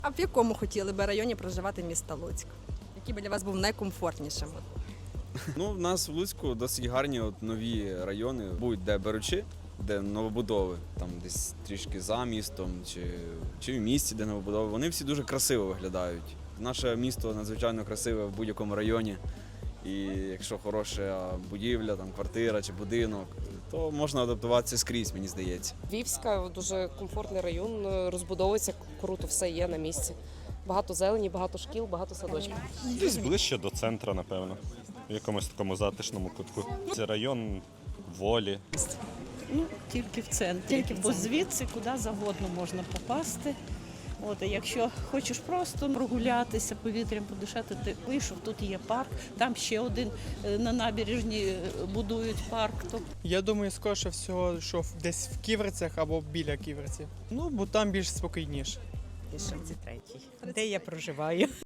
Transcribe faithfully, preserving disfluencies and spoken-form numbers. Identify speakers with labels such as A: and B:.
A: А в якому хотіли би районі проживати міста Луцьк? Який би для вас був найкомфортнішим?
B: Ну, в нас в Луцьку досить гарні от нові райони, будь де беручи, де новобудови, там десь трішки за містом чи, чи в місті, де новобудови. Вони всі дуже красиво виглядають. Наше місто надзвичайно красиве в будь-якому районі. І якщо хороша будівля, там квартира чи будинок, то можна адаптуватися скрізь, мені здається.
C: Львівська дуже комфортний район, розбудовується круто, все є на місці. Багато зелені, багато шкіл, багато садочків.
D: Десь ближче до центру, напевно, в якомусь такому затишному кутку. Це район волі.
E: Ну, тільки в центрі.
A: Тільки в
E: Бо
A: центрі.
E: звідси куди завгодно можна попасти. От, а якщо хочеш просто прогулятися, повітрям подишати, ти вийшов, тут є парк, там ще один е, на набережні е, будують парк. То
F: Я думаю, скоріше всього, що в- десь в Ківерцях або біля Ківерців. Ну, бо там більш спокійніше.
G: тридцять третій, де я проживаю.